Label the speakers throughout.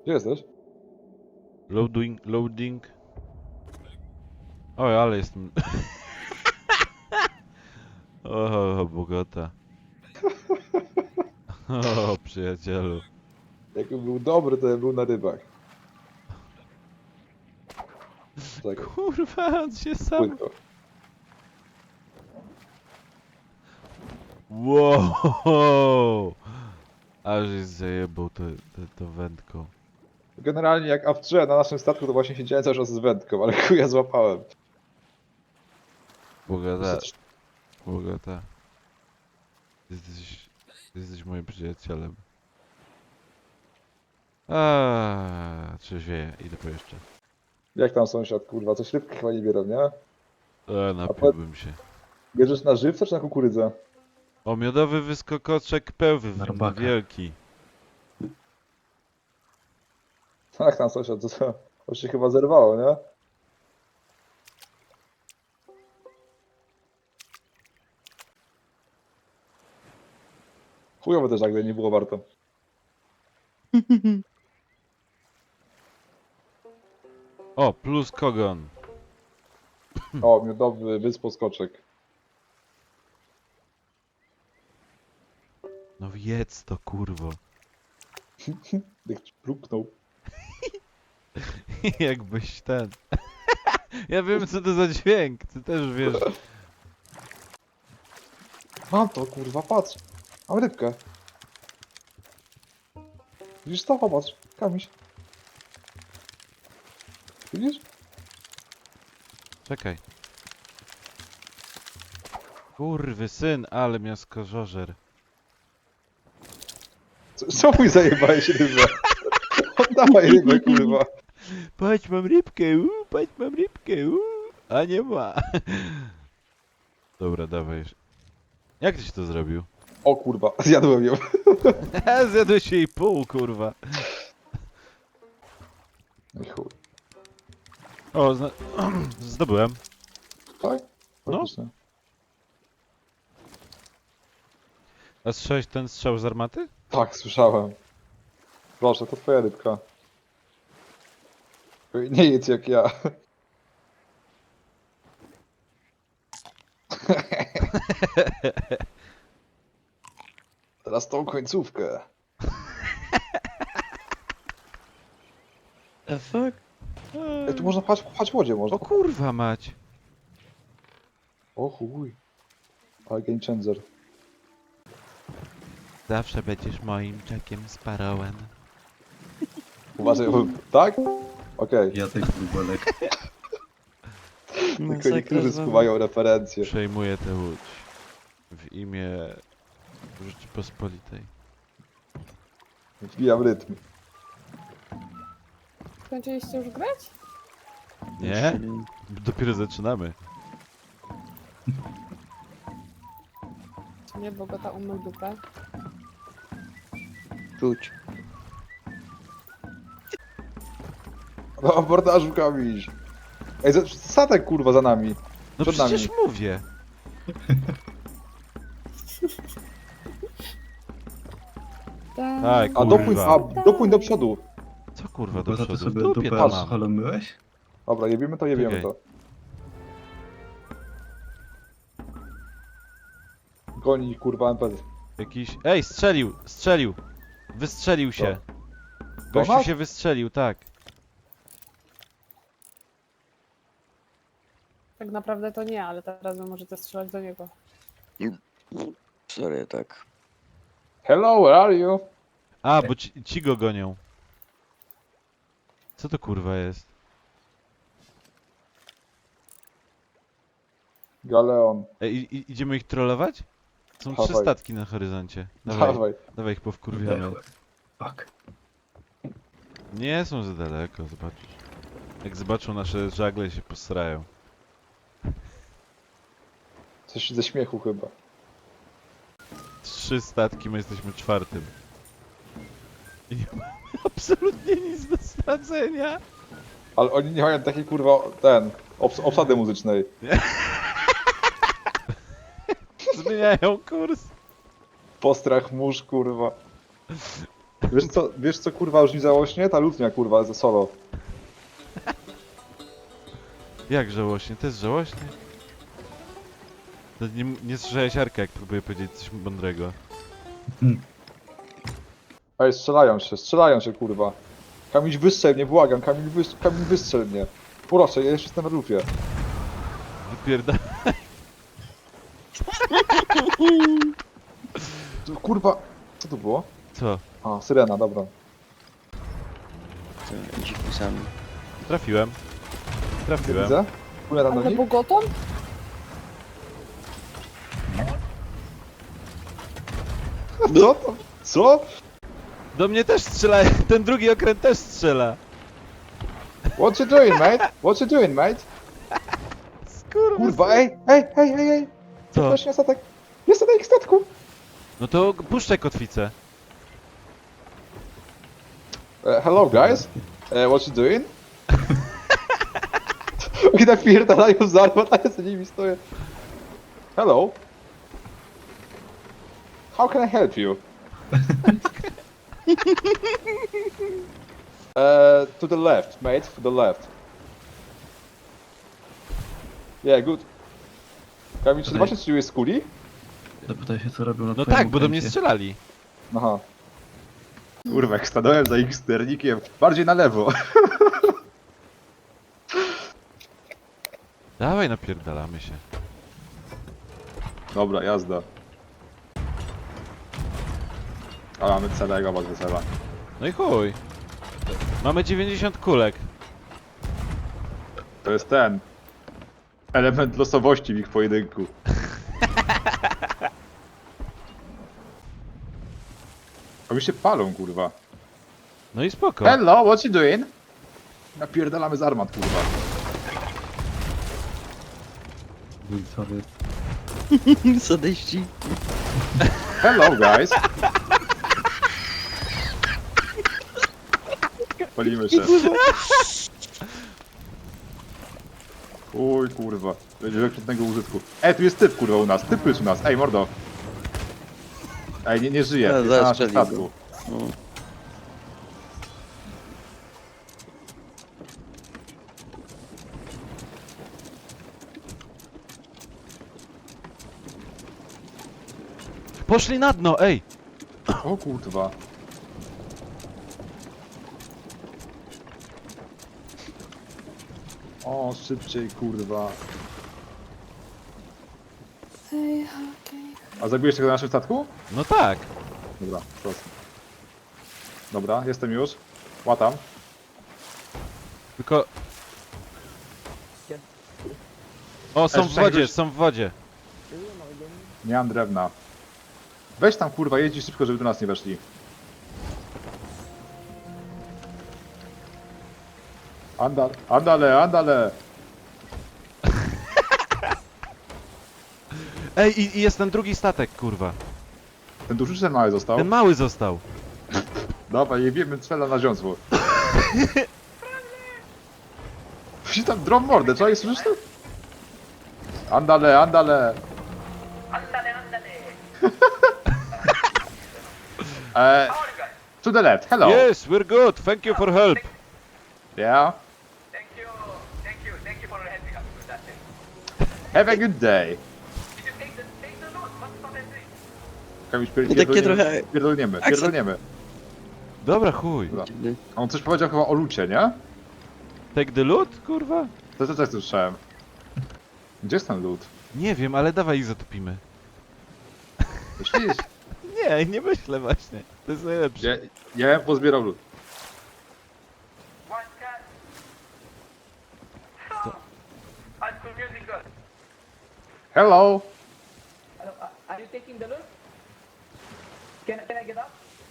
Speaker 1: Gdzie jesteś?
Speaker 2: Loading. Oj, ale jestem... O, Bogota. O, przyjacielu.
Speaker 1: Jakby był dobry, to był na rybach. Czekaj,
Speaker 2: Kurwa, on się sam...
Speaker 1: płynko.
Speaker 2: Wow! Aż jest zajebał to wędką.
Speaker 1: Generalnie jak AF3 na naszym statku, to właśnie siedziałem cały czas z wędką, ale chuja złapałem.
Speaker 2: Bogata. Bogata. Jesteś moim przyjacielem. Trzeźwieję, idę po jeszcze.
Speaker 1: Jak tam sąsiad, kurwa? Coś rybki chyba nie biorą, nie?
Speaker 2: Napiłbym się.
Speaker 1: Bierzesz na żywca czy na kukurydzę?
Speaker 2: O, miodowy wyskokoczek pełwy,
Speaker 3: Na robaka.
Speaker 2: wielki.
Speaker 1: Jak tam sąsiad? To się chyba zerwało, nie? Chujowo też nagle nie było warto.
Speaker 2: O, plus kogon.
Speaker 1: O, miodowy wysposkoczek.
Speaker 2: No jedz to, kurwo.
Speaker 1: Jak pluknął.
Speaker 2: Jakbyś ten... Ja wiem, co to za dźwięk, ty też wiesz.
Speaker 1: Mam to, kurwa, patrz. Mam rybkę. Widzisz to? Popatrz. Kamiś. Widzisz?
Speaker 2: Czekaj. Kurwy syn, ale miaskożożer.
Speaker 1: Co mi zajebałeś rybę? Oddawaj rybę, kurwa.
Speaker 2: Patrz, mam rybkę, patrz, mam rybkę, a nie ma. Dobra, dawaj. Jak tyś to zrobił?
Speaker 1: O kurwa, zjadłem ją.
Speaker 2: Zjadłeś jej pół, kurwa.
Speaker 1: No i chuj.
Speaker 2: O, zdobyłem.
Speaker 1: Tak?
Speaker 2: No.
Speaker 1: Faktycznie.
Speaker 2: A słyszałeś ten strzał z armaty?
Speaker 1: Tak, słyszałem. Proszę, to twoja rybka. Nie jedz jak ja. Teraz tą końcówkę.
Speaker 3: The fuck?
Speaker 1: Ej, tu można pchać w wodzie, można.
Speaker 2: O kurwa mać.
Speaker 1: O chuj. Ale game changer.
Speaker 2: Zawsze będziesz moim Jackiem Sparrowem.
Speaker 1: Uważaj, tak? Okej.
Speaker 3: Ja tych bubelek.
Speaker 1: Tylko niektórzy skuwają referencje.
Speaker 2: Przejmuję tę łódź. W imię Rzeczypospolitej.
Speaker 1: Wbijam rytm.
Speaker 4: Skończyliście już grać?
Speaker 2: Nie? Dopiero zaczynamy.
Speaker 4: Czy nie, Bogota umył dupę.
Speaker 3: Czuć.
Speaker 1: No, abordażu kamiś. Ej, statek kurwa za nami.
Speaker 2: No
Speaker 1: Przed
Speaker 2: przecież
Speaker 1: nami.
Speaker 2: mówię. Tak,
Speaker 1: A dopój,
Speaker 2: kurwa.
Speaker 1: dopój do przodu.
Speaker 2: Co kurwa do
Speaker 3: Bo to
Speaker 2: przodu? W
Speaker 3: sobie
Speaker 2: dupie
Speaker 3: dupę
Speaker 2: to mam.
Speaker 3: scholomiłeś?
Speaker 1: Dobra, jebiemy to, jebiemy
Speaker 2: Czekaj.
Speaker 1: to. Goni kurwa NPC.
Speaker 2: Jakiś... Ej, strzelił! Wystrzelił się. Gościu
Speaker 1: Donald?
Speaker 2: się wystrzelił, tak.
Speaker 4: Tak naprawdę to nie, ale teraz wy możecie strzelać do niego.
Speaker 5: Sorry, tak.
Speaker 1: Hello, where are you?
Speaker 2: A, bo ci go gonią. Co to kurwa jest?
Speaker 1: Galeon.
Speaker 2: Ej, idziemy ich trollować? Są trzy
Speaker 1: Dawaj.
Speaker 2: statki na horyzoncie. Dawaj,
Speaker 1: Dawaj.
Speaker 2: dawaj ich powkurwiamy.
Speaker 3: Fuck.
Speaker 2: Nie są za daleko, zobaczysz. Jak zobaczą nasze żagle, się posrają.
Speaker 1: Coś ze śmiechu chyba.
Speaker 2: 3 statki, my jesteśmy 4. I nie mamy absolutnie nic do stracenia.
Speaker 1: Ale oni nie mają takiej kurwa, obsady muzycznej.
Speaker 2: Zmieniają kurs.
Speaker 1: Postrach mórz kurwa. Wiesz co kurwa już nie załośnie? Ta lutnia kurwa ze solo.
Speaker 2: Jak żałośnie? To jest żałośnie? To nie słyszałeś Arka, jak próbuję powiedzieć coś mądrego.
Speaker 1: Ej, strzelają się kurwa. Kamil wystrzel mnie, błagam, Kamil wystrzel mnie. Proszę, ja jeszcze jestem na lufie.
Speaker 2: Wypierda...
Speaker 1: Kurwa, co to było?
Speaker 2: Co?
Speaker 1: A, syrena, dobra.
Speaker 5: To dziwny sam.
Speaker 2: Trafiłem. Trafiłem.
Speaker 1: Widzę? Płynę tam do
Speaker 4: Ale
Speaker 1: nich.
Speaker 4: bogoton?
Speaker 1: Co to? Co?
Speaker 2: Do mnie też strzela, ten drugi okręt też strzela.
Speaker 1: What you doing, mate? What you doing, mate?
Speaker 2: Skurwa.
Speaker 1: Kurwa, ej!
Speaker 2: Co?
Speaker 1: Właśnie statek. Jest na ich statku!
Speaker 2: No to puszczaj kotwicę.
Speaker 1: Hello, guys. What you doing? Oni napierdalają z armat, a ja za nimi stoję. Hello. How can I help you? To the left, mate. To the left. Yeah, good. Kamil, czy zobaczysz, czy jest kuli?
Speaker 3: Zapytaj się, co robią na
Speaker 2: No
Speaker 3: twoim
Speaker 2: tak, bo do mnie
Speaker 3: okręcie.
Speaker 2: strzelali.
Speaker 1: Aha. Kurwa, jak stanąłem za ich sternikiem, bardziej na lewo.
Speaker 2: Dawaj, napierdalamy się.
Speaker 1: Dobra, jazda. A mamy celego, bardzo cela.
Speaker 2: No i chuj. Mamy 90 kulek.
Speaker 1: To jest ten element losowości w ich pojedynku. Oni się palą, kurwa.
Speaker 2: No i spoko.
Speaker 1: Hello, what you doing? Napierdalamy z armat, kurwa.
Speaker 3: Wilcowy.
Speaker 5: Sadyści.
Speaker 1: Hello, guys. Palimy się. Uj, kurwa. Będzie wykrytnego użytku. Tu jest typ, kurwa, u nas. Typ jest u nas. Ej, mordo. Ej, nie żyje.
Speaker 5: Ja
Speaker 1: Jest na naszym
Speaker 5: zastrzelił go.
Speaker 1: statku.
Speaker 5: No.
Speaker 2: Poszli na dno, ej!
Speaker 1: O kurwa. O, szybciej, kurwa.
Speaker 4: Hej, okej.
Speaker 1: A zabiłeś tego na naszym statku?
Speaker 2: No tak.
Speaker 1: Dobra, proszę. Dobra, jestem już. Łatam.
Speaker 2: Tylko... O, są w
Speaker 1: Jeszcze
Speaker 2: wodzie,
Speaker 1: jakbyś-
Speaker 2: są w wodzie.
Speaker 1: Nie mam drewna. Weź tam, kurwa, jedź szybko, żeby do nas nie weszli. Andale.
Speaker 2: Ej, i jest ten drugi statek, kurwa.
Speaker 1: Ten duży czy ten mały został?
Speaker 2: Ten mały został.
Speaker 1: Dawaj, jebiemy cela na ziąsło. Wsi tam drom mordę, czekaj, słyszysz to? Andale. To the left, hello.
Speaker 2: Yes, we're good. Thank you for help.
Speaker 1: Yeah,
Speaker 6: Thank you for helping us with that thing.
Speaker 1: have a good day.
Speaker 6: Did you take the note? What's the thing?
Speaker 1: Kamil,
Speaker 5: Takie trochę-
Speaker 1: pierdolniemy.
Speaker 2: Dobra, chuj.
Speaker 1: Dobra.
Speaker 5: Dziwny.
Speaker 1: On coś powiedział chyba o lucie, nie?
Speaker 2: Take the loot, kurwa?
Speaker 1: To też słyszałem. Gdzie jest ten lód?
Speaker 2: Nie wiem, ale dawaj ich zatopimy.
Speaker 1: Myślisz?
Speaker 2: Nie myślę właśnie. To jest najlepsze.
Speaker 1: Ja bym pozbierał lód.
Speaker 6: One cat. I'm confusing girl.
Speaker 1: Hello!
Speaker 6: Hello, are you taking the loot? Can I get up?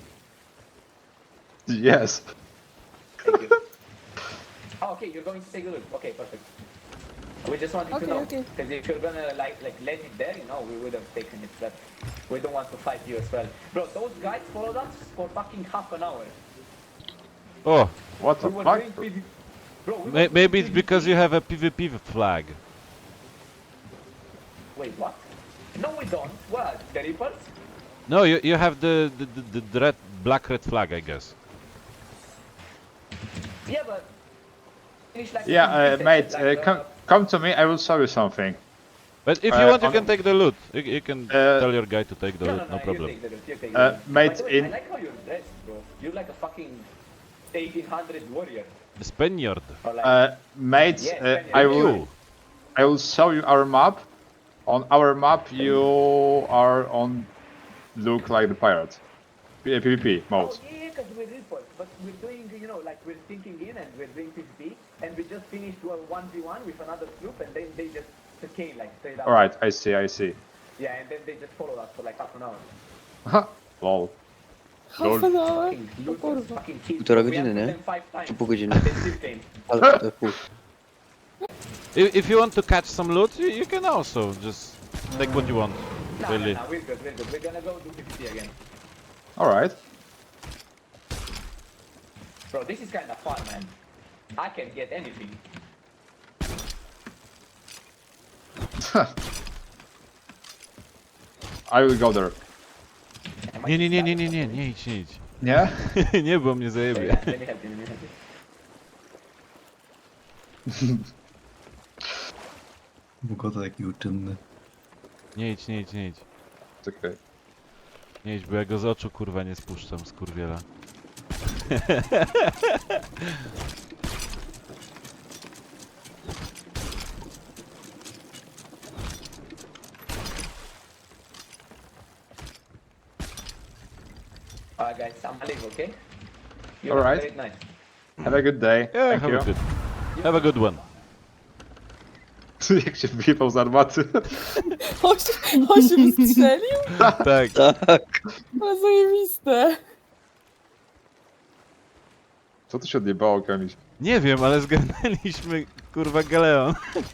Speaker 1: Yes.
Speaker 6: Thank you. Oh, okay, you're going to take the loot. Okay, perfect. We just wanted
Speaker 4: Okay,
Speaker 6: to know,
Speaker 4: okay.
Speaker 6: because if you're gonna like let it there, you know, we would have taken it. But we don't want to fight you as well, bro. Those guys followed us for fucking half an hour.
Speaker 2: O,
Speaker 1: What the
Speaker 6: We were
Speaker 1: fuck?
Speaker 6: doing PvP. Bro, we were
Speaker 2: maybe
Speaker 6: doing
Speaker 2: it's because you
Speaker 6: PvP.
Speaker 2: have a PvP flag.
Speaker 6: Wait, what? No, we don't. What? The Reapers?
Speaker 2: No, you have the black red flag, I guess.
Speaker 6: Yeah, but finish like
Speaker 1: Yeah,
Speaker 6: finish
Speaker 1: mate,
Speaker 6: like,
Speaker 1: come to me, I will show you something.
Speaker 2: But if you want, you
Speaker 1: on-
Speaker 2: can take the loot. You can tell your guy to take the loot, no
Speaker 6: you
Speaker 2: problem.
Speaker 6: take the loot, you take the loot.
Speaker 1: mate,
Speaker 6: By the way,
Speaker 1: in-
Speaker 6: I like how you're dressed, bro. You're like a fucking 1800 warrior.
Speaker 2: Spaniard.
Speaker 6: Or like,
Speaker 1: Mate,
Speaker 6: Yeah,
Speaker 1: I will show you our map. On our map, you are on look like the pirate. PvP mode.
Speaker 6: oh yeah, because we're reapers, but we're doing, you know, like we're thinking in and we're doing PvP, and we just finished a 1v1 with another troop, and then they just came like straight up.
Speaker 1: All right, I see.
Speaker 6: Yeah, and then they just followed us for like half an hour.
Speaker 1: Lol.
Speaker 4: Half an hour?
Speaker 6: Fucking looters,
Speaker 4: kurwa.
Speaker 6: fucking kills.
Speaker 5: Półtora
Speaker 6: We
Speaker 5: godziny,
Speaker 6: have
Speaker 5: nie?
Speaker 6: them 5 times.
Speaker 5: Czy pół godziny?
Speaker 6: And they still came.
Speaker 5: Ale to pół.
Speaker 2: If you want to catch some loot, you can also just take what you want.
Speaker 6: No,
Speaker 2: Really.
Speaker 6: no, we're good, we're good. We're gonna go do PvP again.
Speaker 1: All right.
Speaker 6: Bro, this is kind of fun, man. I can get anything.
Speaker 1: I will go there.
Speaker 2: Nie idź.
Speaker 1: Nie?
Speaker 2: Nie, bo mnie
Speaker 6: So,
Speaker 2: zajebie.
Speaker 6: yeah, let me help you, let me help you.
Speaker 3: Wygląda taki uczynny.
Speaker 2: Nie idź.
Speaker 1: Czekaj.
Speaker 2: Nie idź, bo ja go z oczu kurwa nie spuszczam, skurwiela.
Speaker 6: Alright, guys, I'm leave, okay? You
Speaker 1: All
Speaker 6: have a
Speaker 1: right.
Speaker 6: great night.
Speaker 1: Have a good day.
Speaker 2: Yeah,
Speaker 1: Thank
Speaker 2: have
Speaker 1: you.
Speaker 2: a good. Have a good one.
Speaker 1: Jak się wyjebał z armaty.
Speaker 4: On się wystrzelił?
Speaker 2: Tak.
Speaker 5: Tak.
Speaker 4: Ale zajebiste.
Speaker 1: Co tu się odjebało, Kamiś?
Speaker 2: Nie wiem, ale zgarnęliśmy kurwa galeon.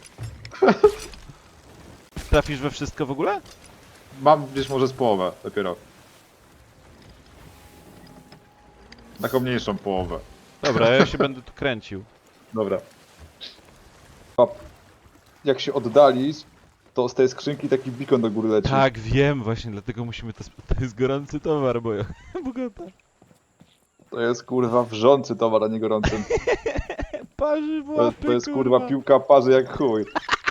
Speaker 2: Trafisz we wszystko w ogóle?
Speaker 1: Mam gdzieś może z połowę dopiero. Taką mniejszą połowę.
Speaker 2: Dobra, ja się będę tu kręcił.
Speaker 1: Dobra. Jak się oddali, to z tej skrzynki taki beacon do góry leci.
Speaker 2: Tak, wiem, właśnie dlatego musimy to... To jest gorący towar, bo ja... Bogata.
Speaker 1: To jest kurwa wrzący towar, a nie gorący.
Speaker 2: Parzy w
Speaker 1: To,
Speaker 2: łapy,
Speaker 1: to jest kurwa piłka parzy jak chuj.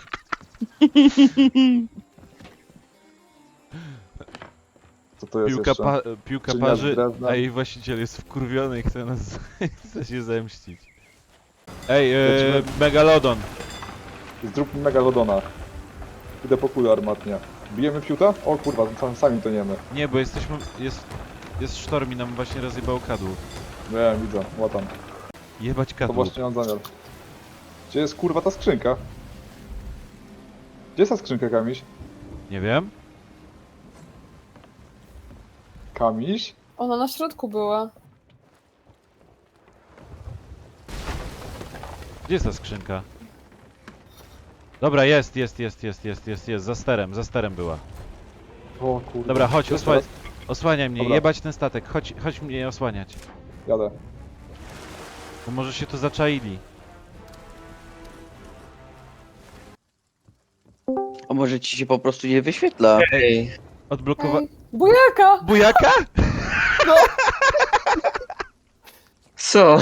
Speaker 1: Co to jest jeszcze?
Speaker 2: Piłka
Speaker 1: Czynia
Speaker 2: parzy,
Speaker 1: z drewna.
Speaker 2: a jej właściciel jest wkurwiony i chce nas... chce się zemścić. Ej,
Speaker 1: Lecimy.
Speaker 2: Megalodon.
Speaker 1: Zrób mi megalodona. Idę po kulę armatnie. Bijemy piuta? O kurwa, sami toniemy.
Speaker 2: Nie, bo jesteśmy... Jest sztorm i nam właśnie rozjebał kadłub.
Speaker 1: Nie, widzę, łatam.
Speaker 2: Jebać
Speaker 1: To
Speaker 2: kadłub.
Speaker 1: właśnie mam zamiar. Gdzie jest kurwa ta skrzynka? Gdzie jest ta skrzynka, Kamiś?
Speaker 2: Nie wiem.
Speaker 1: Kamiś?
Speaker 4: Ona na środku była.
Speaker 2: Gdzie jest ta skrzynka? Dobra, jest, za sterem była.
Speaker 1: O kurwa.
Speaker 2: Dobra, chodź,
Speaker 1: Jest teraz?
Speaker 2: osłaniaj mnie,
Speaker 1: Dobra.
Speaker 2: jebać ten statek, chodź mnie osłaniać.
Speaker 1: Jadę.
Speaker 2: Bo może się tu zaczaili.
Speaker 5: A może ci się po prostu nie wyświetla?
Speaker 2: Odblokowa...
Speaker 4: Ej, bujaka!
Speaker 2: Bujaka?
Speaker 7: Co?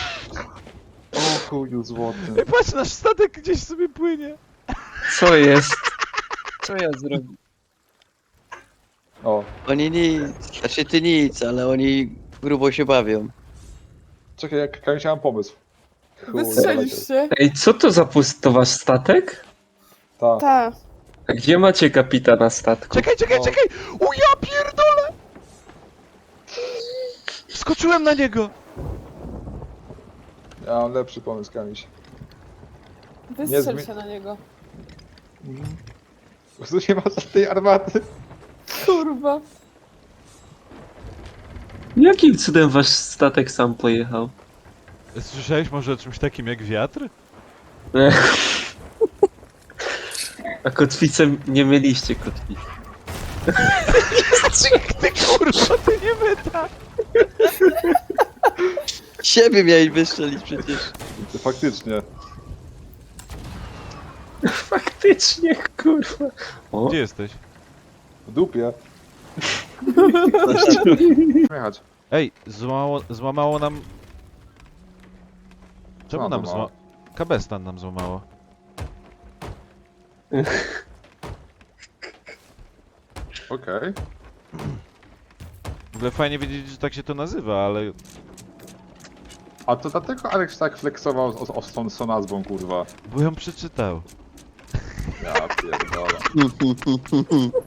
Speaker 1: O chuju złoty.
Speaker 2: Ej, patrz, nasz statek gdzieś sobie płynie.
Speaker 7: Co jest?
Speaker 5: Co ja zrobię?
Speaker 1: O,
Speaker 5: Oni nic, znaczy ty nic, ale oni grubo się bawią.
Speaker 1: czekaj, jak Kamiś mam pomysł. Chuj,
Speaker 4: Wystrzelisz się.
Speaker 7: Ej, co to za to wasz statek?
Speaker 1: Ta.
Speaker 4: Tak.
Speaker 7: A gdzie macie kapitana statku?
Speaker 2: Czekaj!
Speaker 1: O.
Speaker 2: O ja pierdolę! Skoczyłem na niego!
Speaker 1: Ja mam lepszy pomysł, Kamiś.
Speaker 4: Wystrzel
Speaker 1: zmi-
Speaker 4: się na niego.
Speaker 1: Po prostu nie ma żadnej armaty.
Speaker 4: Kurwa.
Speaker 7: Jakim cudem wasz statek sam pojechał?
Speaker 2: Słyszałeś może o czymś takim jak wiatr?
Speaker 7: A kotwicę nie mieliście kotwicy.
Speaker 2: Ty kurwa, ty nie myta!
Speaker 5: Siebie miałeś wystrzelić przecież.
Speaker 1: To faktycznie.
Speaker 7: Faktycznie, kurwa. O,
Speaker 2: Gdzie jesteś?
Speaker 1: W dupie. Jechać.
Speaker 2: Ej, złamało nam... Czemu
Speaker 1: Co
Speaker 2: nam
Speaker 1: złamało?
Speaker 2: Kabestan nam złamało.
Speaker 1: Okej.
Speaker 2: W ogóle fajnie wiedzieć, że tak się to nazywa, ale...
Speaker 1: A to dlatego Alex tak flexował z tą nazwą, kurwa.
Speaker 2: Bo ją przeczytał.
Speaker 1: Ja pierdolę.